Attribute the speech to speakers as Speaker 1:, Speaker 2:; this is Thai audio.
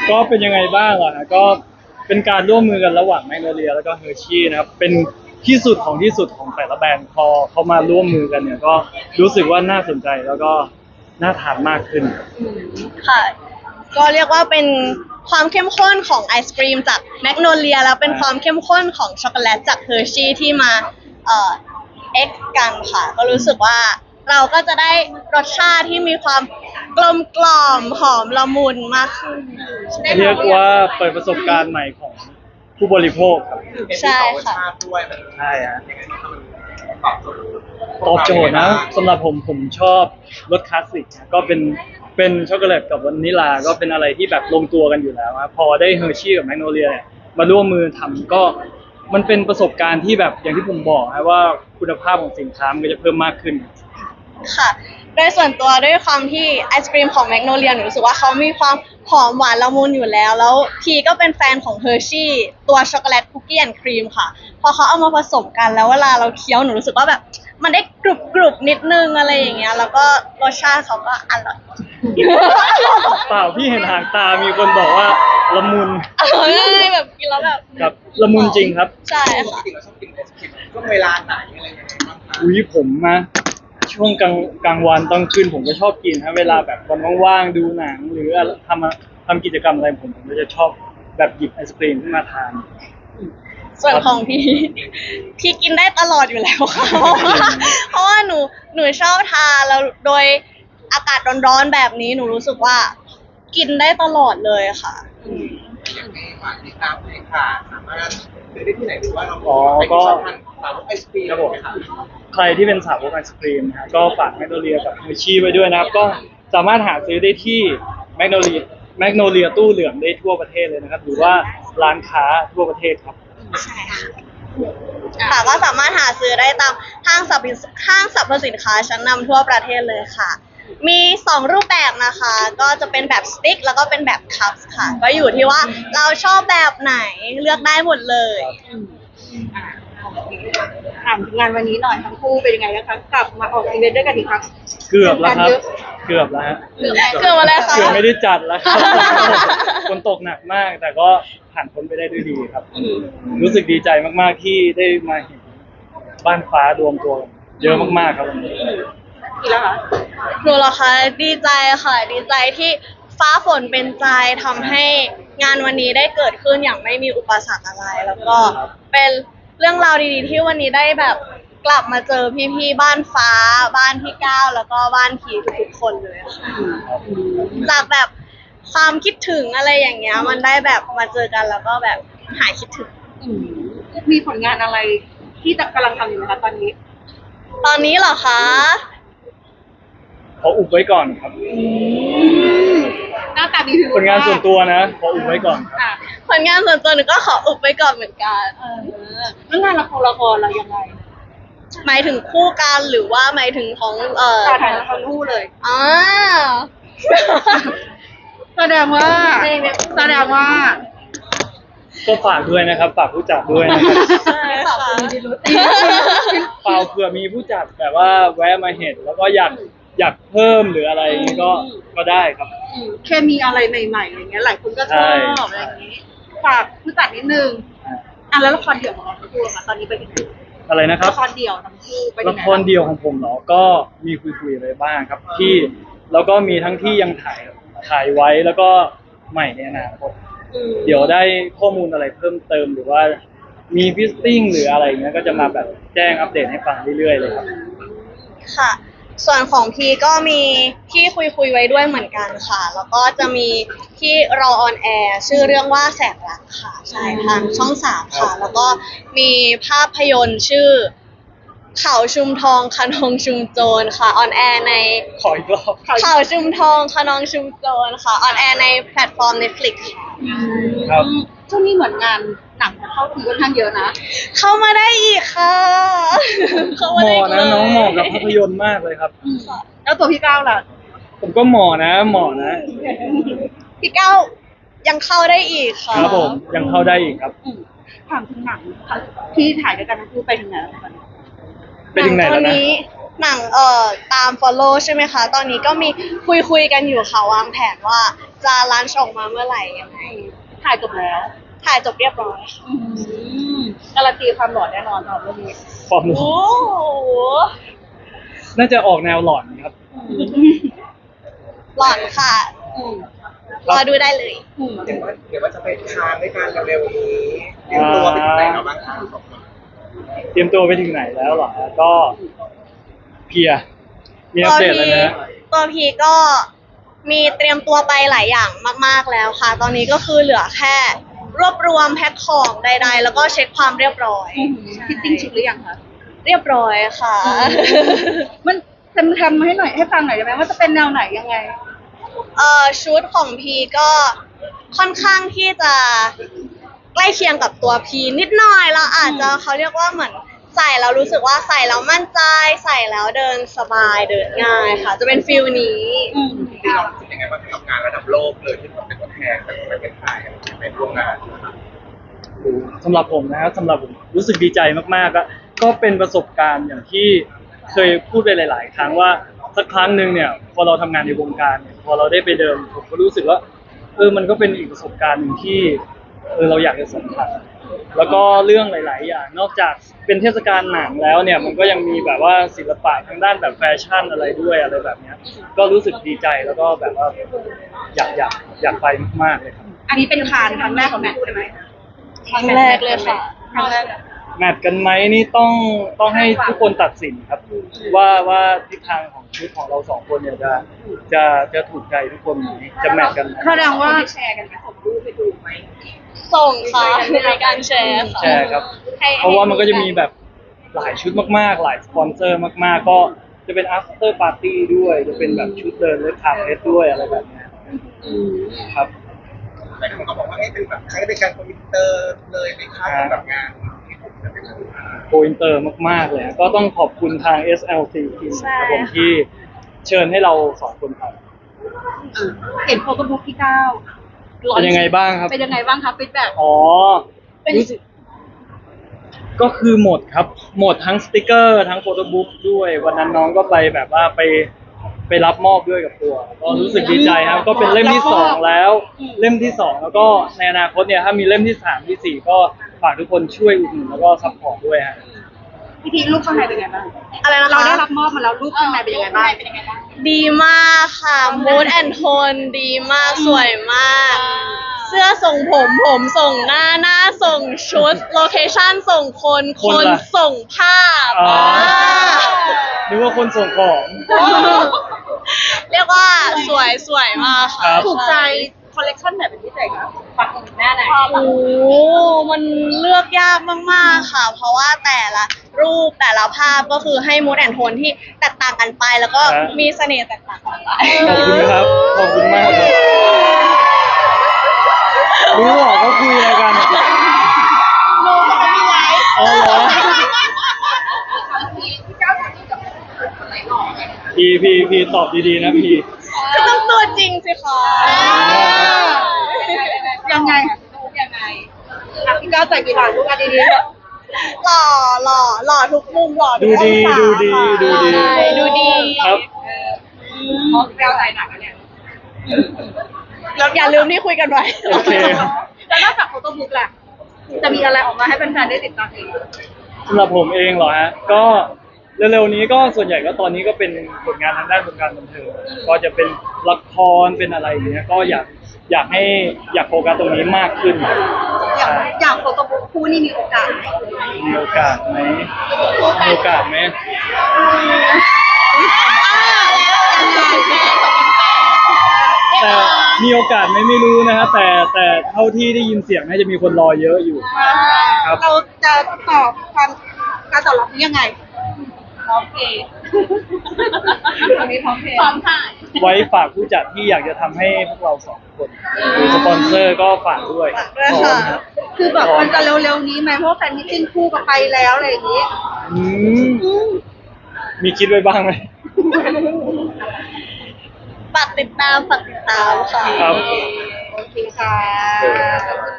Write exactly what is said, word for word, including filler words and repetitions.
Speaker 1: ก็เป็นยังไงบ้างล่ะก็เป็นการร่วมมือกันระหว่างแมกโนเลียแล้วก็เฮอร์ชี่นะครับเป็นที่สุดของที่สุดของแต่ละแบรนด์พอเขามาร่วมมือกันเนี่ยก็รู้สึกว่าน่าสนใจแล้วก็น่าทานมากขึ้น
Speaker 2: ค่ะก็เรียกว่าเป็นความเข้มข้นของไอศกรีมจากแมกโนเลียแล้วเป็นความเข้มข้นของช็อกโกแลตจากเฮอร์ชี่ที่มาเอ่อเอ็กซ์กันค่ะก็รู้สึกว่าเราก็จะได้รสชาติที่มีความกลมกล่อมหอมละมุนมากขึ้น
Speaker 1: เรียกว่าเปิดประสบการณ์ใหม่ของผู้บริโภคครับ
Speaker 2: ใช่ค่ะ
Speaker 1: ใช่ฮะตอบโจทย์นะสำหรับผมผมชอบรสคลาสสิกก็เป็นเป็นช็อกโกแลตกับวานิลลาก็เป็นอะไรที่แบบลงตัวกันอยู่แล้วครับพอได้เฮอร์ชี่กับแมกโนเลียเนี่ยมาร่วมมือทำก็มันเป็นประสบการณ์ที่แบบอย่างที่ผมบอกนะว่าคุณภาพของสินค้ามันก็จะเพิ่มมากขึ้น
Speaker 2: ค่ะโดยส่วนตัวด้วยความที่ไอศกรีมของแมกโนเลียหนูรู้สึกว่าเขามีความหอมหวานละมุนอยู่แล้วแล้วพีก็เป็นแฟนของเฮอร์ชี่ตัวช็อกโกแลตคุกกี้แอนด์ครีมค่ะพอเขาเอามาผสมกันแล้วเวลาเราเคี้ยวหนูรู้สึกว่าแบบมันได้กรุบกรุบนิดนึงอะไรอย่างเงี้ยแล้วก็รสชาติเขาก็อร่อย
Speaker 1: เปล่าพี่เห็นหางตามีคนบอกว่าละมุน
Speaker 2: อร่อยแบบกินแล้วแบบ
Speaker 1: ครับละมุนจริงครับ
Speaker 2: ใช่ค่ะ
Speaker 3: จริงเราชอบกินไอศกรีมช่วงเวลาไหนอะไรยังไงบ้างคะ
Speaker 1: อุ้ยผมนะช่วงกลางกลางวันตอนคืนผมก็ชอบกินฮะเวลาแบบวันว่างๆดูหนังหรือทำทำกิจกรรมอะไรผมผมก็จะชอบแบบหยิบไอศกรีมขึ้นมาทาน
Speaker 2: ส่วนของพี่พี่กินได้ตลอดอยู่แล้วค่ะเพราะว่าหนูหนูชอบทานแล้วโดยอากาศร้อนๆแบบนี้หนูรู้สึกว่ากินได้ตลอดเลยค่ะ
Speaker 3: อย่างนี้ฝากติดตามเลยค่ะสามารถซื้อได้ที่ไหนหรือว่าเรา
Speaker 1: อ๋อก็
Speaker 3: สาวกไอศกรีม
Speaker 1: ครับผมใครที่เป็นสาวกไอศกรีมนะก็ฝากแมกโนเลียกับเฮอร์ชี่ไว้ด้วยนะครับก็สามารถหาซื้อได้ที่แมกโนเลียแมกโนเลียตู้เหลืองได้ทั่วประเทศเลยนะครับหรือว่าร้านค้าทั่วประเทศครับ
Speaker 2: ใช่ค่ะค่ะก็สามารถหาซื้อได้ตามห้างสรรพห้างสรรพสินค้าชั้นนำทั่วประเทศเลยค่ะมีสองรูปแบบนะคะก็จะเป็นแบบสติ๊กแล้วก็เป็นแบบคัพค่ะก็อยู่ที่ว่าเราชอบแบบไหนเลือกได้หมดเลย
Speaker 4: ถามงานวันนี้หน่อยทั้งคู่เป็นยังไงนะคะกลับมาออกอีเวนต์ด้วยกันอีกครั้ง
Speaker 1: เกือบแล้วครับเกือบแล้วฮะ
Speaker 2: เกือบอะไรคะ
Speaker 1: เกือบไม่ได้จัดแล้วครับฝนตกหนักมากแต่ก็ผ่านพ้นไปได้ด้วยดีครับรู้สึกดีใจมากๆที่ได้มาเห็นบ้านฟ้ารวมตัวเยอะมากๆครับวันนี้
Speaker 4: กี่แล้วคะ
Speaker 2: หนูเหรอคะดีใจค่ะดีใจที่ฟ้าฝนเป็นใจทำให้งานวันนี้ได้เกิดขึ้นอย่างไม่มีอุปสรรคอะไรแล้วก็เป็นเรื่องราวดีๆที่วันนี้ได้แบบกลับมาเจอพี่ๆบ้านฟ้าบ้านพี่ก้าวแล้วก็บ้านพีทุกๆคนเลยค่ะจากแบบความคิดถึงอะไรอย่างเงี้ยมันได้แบบมาเจอกันแล้วก็แบบหายคิดถึง
Speaker 4: มีผลงานอะไรที่กำลังทำอยู่ไหมคะตอนนี้
Speaker 2: ตอนนี้เหรอคะ
Speaker 1: ขออุบไว้ก่อนครับ
Speaker 4: หน้าตาดี
Speaker 1: ผลงานส่วนตัวนะขออุบไว้ก่อนครับ
Speaker 2: ผลงานส่วนตัวหนูก็ขออุบไว้ก่อนเหมือนกัน
Speaker 4: แล้วงานละครละครเรายังไง
Speaker 2: หมายถึงคู่กันหรือว่าหมายถึงของเอ่อ
Speaker 4: ถ่ายละครคู่เลย
Speaker 2: อ๋อ
Speaker 4: แสดงว่าแสดงว่า
Speaker 1: ก็ฝากด้วยนะครับฝากผู้จัดด้วยนะครับ
Speaker 2: ใช่ค่ะ
Speaker 1: เปล่าเผื่อมีผู้จัดแบบว่าแวะมาเห็นแล้วก็อยากอยากเพิ่มหรืออะไรก็ก็ได้ครับ
Speaker 4: แค่มีอะไรใหม่ๆอย่างเงี้ยหลายคนก็ชอบอะไรอย่างงี้ฝากผู้จัดนิดนึงอ่ะแล้วละครเดี่ยวของเราทั้งคู่ค่ะตอนนี้ไปถึง
Speaker 1: อะไรนะครับ
Speaker 4: ละครเดี่ยวทั้งคู่ไปถึงไหน
Speaker 1: ละครเดี่ยวของผมเหรอก็มีคุยๆอะไรบ้างครับที่แล้วก็มีทั้งที่ยังถ่ายถ่ายไว้แล้วก็ใหม่ในอนาคตเดี๋ยวได้ข้อมูลอะไรเพิ่มเติมหรือว่ามีฟิสติ้งหรืออะไรเงี้ยก็จะมาแบบแจ้งอัปเดตให้ฟังเรื่อยๆเลยครับ
Speaker 2: ค่ะส่วนของพีก็มีที่คุยคุยไว้ด้วยเหมือนกันค่ะแล้วก็จะมีที่รอออนแอร์ชื่อเรื่องว่าแสงรักค่ะใช่ทางช่องสามค่ะแล้วก็มีภาพยนตร์ชื่อเขาชุมทองคะนองชุมโจรค่ะออนแอร์ใน
Speaker 1: ขออีกรอบ
Speaker 2: เขาชุมทองคะนองชุมโจรค่ะออนแอร์ในแพลตฟอร์ม Netflix
Speaker 1: ครับ
Speaker 4: ช่วงนี้เหมือนงานหนังเข้าถึงค่อนข้างเยอะนะ
Speaker 2: เข้ามาได้อีกค่ะ
Speaker 1: เหมาะนะน้องเหมาะกับภาพยนตร์มากเลยครับ
Speaker 4: แล้วตัวพี่ก้าวล่ะ
Speaker 1: ผมก็เหมาะนะเหมาะนะ
Speaker 2: พี่ก้าวยังเข้าได้อีกค่ะ
Speaker 1: ครับผมยังเข้าได้อีกครับ
Speaker 4: ถามถึงหนังที่ถ่ายด้วยกันทั้งคู่ไปถึงไหนแล้ว
Speaker 1: ไปถึงไหนแล้วนะ
Speaker 2: หนังเอ่อตาม follow ใช่ไหมคะตอนนี้ก็มีคุยคุยกันอยู่ค่ะวางแผนว่าจะลันช์ออกมาเมื่อไหร่ยังไง
Speaker 4: ถ่ายจบแล้ว
Speaker 2: ถ่ายจบเรียบร้อยค่ะ
Speaker 4: อืมการันตีความหล่อแน่นอนสำหรับเรื่องนี้
Speaker 1: ฟอร์ม
Speaker 2: โอ้โห
Speaker 1: น่าจะออกแนวหลอนครับ
Speaker 2: หลอนค่ะ
Speaker 4: อืม
Speaker 2: รอดูได้เลย
Speaker 4: อืม
Speaker 3: เดี๋ยวว่าเดี๋ยวว่าจะไปทานด้วยกันเร็วๆนี้เตรียมตัวไปถึงไหนแล้วบ้างคะสองคน
Speaker 1: เตรียมตัวไปถึงไหนแล้วเหรอฮะก็เพลียมีอัปเดตแล้วนะ
Speaker 2: ตัวพีก็มีเตรียมตัวไปหลายอย่างมาก ๆแล้วค่ะ ตอนนี้ก็คือเหลือแค่ รวบรวมแพ็คของใด ๆ แล้วก็เช็คความเรียบร้อย
Speaker 4: ฟิตติ้งชุดหรือยังคะ
Speaker 2: เรียบร้อยค่ะ
Speaker 4: มันทำทำให้หน่อยให้ฟังหน่อยได้ไหมว่าจะเป็นแนวไหนยังไง
Speaker 2: เอ่อชุดของพีก็ค่อนข้างที่จะใกล้เคียงกับตัวพีนิดหน่อยแล้วอาจจะเขาเรียกว่าเหมือนใส่แล้วรู้สึกว่าใส่แล้วมั่นใจใส่แล้วเดินสบายเดินง่ายค่ะ จะเป็นฟิลนี้
Speaker 4: อืม
Speaker 3: จริงๆเรารู้สึกยังไงบ้างกับงานระดับโลกเลยที่เราเป็นตัวแทนจากประเทศไทยในร่วมงาน
Speaker 1: สำหรับผมนะครับสำหรับผมรู้สึกดีใจมากๆก็ก็เป็นประสบการณ์อย่างที่เคยพูดไปหลาย ๆ ครั้งว่าสักครั้งหนึ่งเนี่ยพอเราทำงานในวงการเนี่ยพอเราได้ไปเดินผมก็รู้สึกว่าเออมันก็เป็นอีกประสบการณ์หนึ่งที่เออเราอยากจะสัมผัสแล้วก็เรื่องหลาย ๆ อย่างนอกจากเป็นเทศกาลหนังแล้วเนี่ยมันก็ยังมีแบบว่าศิลปะทางด้านแบบแฟชั่นอะไรด้วยอะไรแบบเนี้ยก็รู้สึกดีใจแล้วก็แบบว่าอยากอยากอยากไปมากๆเลยครับ
Speaker 4: อันนี้เป็นคานครั้งแรกของแมทใช่ไหม
Speaker 2: ครั้งแรกเลยค่ะ
Speaker 4: ครั้งแรก
Speaker 1: แมทกันไหมนี่ต้องต้องให้ทุกคนตัดสินครับ ว่าว่าทิศทางของชุดของเราสองคนเนี่ยจะจะจะถูกใจทุกคนไหมจะแมทกันไหม
Speaker 4: แสดงว่า
Speaker 3: แชร์กันไหมส่งรูปไปดูไหม
Speaker 2: ส่งค่ะในการแชร์ค่ะ
Speaker 1: แชร์ครับ
Speaker 2: ให้
Speaker 1: เพราะว่ามันก็จะมีแบบหลายชุดมากๆ หลายสปอนเซอร์มากๆ ก็จะเป็น after party ด้วย จะเป็นแบบชุดเดินเลือกคาเฟ่ด้วยอะไรแบบเนี้ยครับ
Speaker 3: หลายคนก็บอกว่าเอ๊ะเป็นแบบคล้ายเป็นการคอมพิวเตอร์เลยในค่ายสำหรับงานที่ผมจะเป็น
Speaker 1: โกอินเตอร์มากๆเลย ก็ต้องขอบคุณทาง เอส แอล ซี ทีมครับผมที่เชิญให้เราสองคนทำ
Speaker 4: เห็นโฟโต้บุ๊กที่เก้า
Speaker 1: เป็นยังไงบ้างครับ
Speaker 4: เป็นยังไงบ้างครับฟีดแบ็ก
Speaker 1: อ๋อรู้สึกก็คือหมดครับ หมดทั้งสติกเกอร์ทั้งโฟโต้บุ๊กด้วย วันนั้นน้องก็ไปแบบว่าไปไปรับมอบด้วยกับตัว ก็รู้สึกดีใจครับ ก็เป็นเล่มที่สองแล้ว เล่มที่สองแล้วก็ในอนาคตเนี่ยถ้ามีเล่มที่สามที่สี่ก็ฝากทุกคนช่วยอุดหนุนแล้วก็ซัพพอร์ตด้วยฮะ
Speaker 4: พี่ทีรูปข้างในเป็นยังไงบ้าง
Speaker 2: อะไรนะคะ
Speaker 4: เราได้รับมอบมาแล้วรูปข้างในเป็นยังไงบ้าง
Speaker 2: ดีมากค่ะ mood and tone ดีมากสวยมาก เสื้อส่งผมผมส่งหน้าหน้าส่งชุดโลเคชั่นส่งคนค
Speaker 1: คน
Speaker 2: น
Speaker 1: ล่ะ
Speaker 2: ส่งภาพ
Speaker 1: อ๋อ
Speaker 2: อ่า
Speaker 1: นึกว่าคนส่งของ
Speaker 2: เรียกว่าสวยสวยมาก
Speaker 1: ครั
Speaker 2: ค่ะ
Speaker 1: บ
Speaker 4: ถูกใจคอลเลกชันไหนเป็นพิเศษครับปักหน้าไหน
Speaker 2: โอ้โหมันเลือกยากมากๆค่ะ เพราะว่าแต่ละรูปแต่ละภาพก็คือให้ mood and tone ที่แตกต่างกันไป แล้วก็
Speaker 1: ครับ
Speaker 2: มีเสน่ห์แตกต่างกันไป
Speaker 1: ขอบคุณครับ ขอบคุณมากครับรู้หรอเขาคุยอะไรกันอ๋อเหรอพีพีพีตอบดีๆนะพี
Speaker 2: ก็ต้องตัวจริงสิคะ
Speaker 4: ยังไงยังไงอ่ะพี่ก้าวใส่กี่บาทลูกอันดี
Speaker 2: หล่อหล่อหล่อทุกมุมหล่อทุ
Speaker 1: ดู
Speaker 2: กอง
Speaker 1: ดี
Speaker 2: ศา
Speaker 1: ดูดี
Speaker 2: ค่ะ
Speaker 1: ดูดี
Speaker 2: ใช่ดูดี
Speaker 1: ครับ
Speaker 4: ๆเพราะก้าวใส่หนักแล้วเนี่ย
Speaker 2: แล้วอย่าลืมที่คุยกันไว้
Speaker 1: โอเค
Speaker 4: แล้วนอกจากโฟโต้บุ๊กล่ะจะมีอะไรออกมาให้แฟนๆได้ติดตามอีก
Speaker 1: สำหรับผมเองเหรอฮะ ก็เร็วๆนี้ก็ส่วนใหญ่ก็ตอนนี้ก็เป็นผลงานทางด้านวงการบันเทิงก็จะเป็นละครเป็นอะไรอย่างเงี้ยก็อยากอยากให้อยากโฟกัสตรงนี้มากขึ้น
Speaker 4: อย่างอย่างโฟโต้บุ๊กคู่นี่มีโอกาสไหม
Speaker 1: มีโอกาสไหมมีโอกาสไหมแต่มีโอกาสไหมไม่รู้นะฮะแต่แต่เท่าที่ได้ยินเสียงน่าจะมีคนรอเยอะอยู่ ครับ
Speaker 4: เราจะตอบความการตอบรับนี้ยังไงพร้อมเพย์ตอนนี้พร้อมเพย์พร้อมถ่าย
Speaker 1: ไว้ฝากผู้จัดที่อยากจะทำให้พวกเราสองคนหรือสปอนเซอร์ก็ฝากด้วย
Speaker 2: ฝากด้วยค่ะ
Speaker 4: คือแบบมันจะเร็วๆนี้ไหมเพราะว่าแฟนมิตติ้งคู่กับไปแล้วอะไรอย่างนี้
Speaker 1: อืมมีคิดไว้บ้างไหม
Speaker 2: ฝากติดตามฝากติดตามค่ะ
Speaker 1: ครับ
Speaker 4: โอเคค่ะ